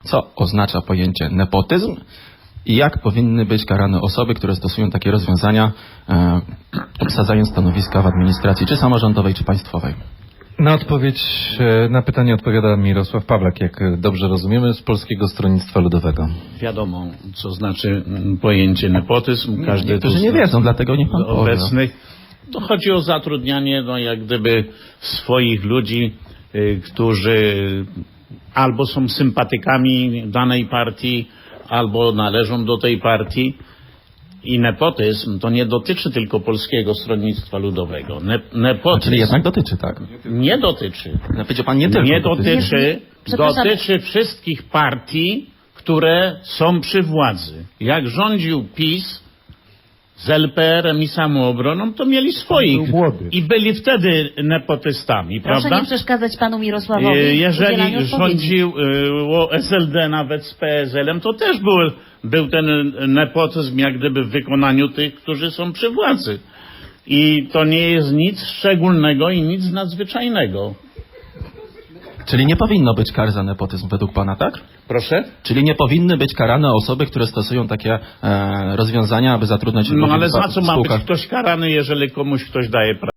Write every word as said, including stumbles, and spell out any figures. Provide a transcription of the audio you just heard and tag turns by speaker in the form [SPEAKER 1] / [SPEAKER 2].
[SPEAKER 1] Co oznacza pojęcie nepotyzm i jak powinny być karane osoby, które stosują takie rozwiązania, e, obsadzając stanowiska w administracji, czy samorządowej, czy państwowej?
[SPEAKER 2] Na odpowiedź, na pytanie odpowiada Mirosław Pawlak, jak dobrze rozumiemy, z Polskiego Stronnictwa Ludowego.
[SPEAKER 3] Wiadomo, co znaczy pojęcie nepotyzm. Każdy
[SPEAKER 1] Niektórzy nie wiedzą, dlatego niech pan powie.
[SPEAKER 3] obecnych. To chodzi o zatrudnianie, no jak gdyby swoich ludzi, y, którzy albo są sympatykami danej partii, albo należą do tej partii. I nepotyzm to nie dotyczy tylko Polskiego Stronnictwa Ludowego. Ne, nepotyzm
[SPEAKER 1] Czyli jednak dotyczy, tak?
[SPEAKER 3] nie dotyczy.
[SPEAKER 1] Powiedział pan nie tylko
[SPEAKER 3] Nie
[SPEAKER 1] dotyczy.
[SPEAKER 3] dotyczy,
[SPEAKER 4] Przepraszam.
[SPEAKER 3] dotyczy wszystkich partii, które są przy władzy. Jak rządził PiS z L P R-em i Samoobroną, to mieli swoich i byli wtedy nepotystami,
[SPEAKER 4] Proszę
[SPEAKER 3] prawda?
[SPEAKER 4] nie przeszkadzać panu Mirosławowi.
[SPEAKER 3] E,
[SPEAKER 4] w udzielaniu
[SPEAKER 3] Jeżeli
[SPEAKER 4] odpowiedzi.
[SPEAKER 3] rządził e, S L D nawet z P S L-em, to też był, był ten nepotyzm jak gdyby w wykonaniu tych, którzy są przy władzy. I to nie jest nic szczególnego i nic nadzwyczajnego.
[SPEAKER 1] Czyli nie powinno być kar za nepotyzm według pana, tak?
[SPEAKER 3] Proszę?
[SPEAKER 1] Czyli nie powinny być karane osoby, które stosują takie e, rozwiązania, aby zatrudniać
[SPEAKER 3] No
[SPEAKER 1] ludzi
[SPEAKER 3] ale
[SPEAKER 1] w
[SPEAKER 3] za co ma być
[SPEAKER 1] spółkach.
[SPEAKER 3] ktoś karany, jeżeli komuś ktoś daje pracę?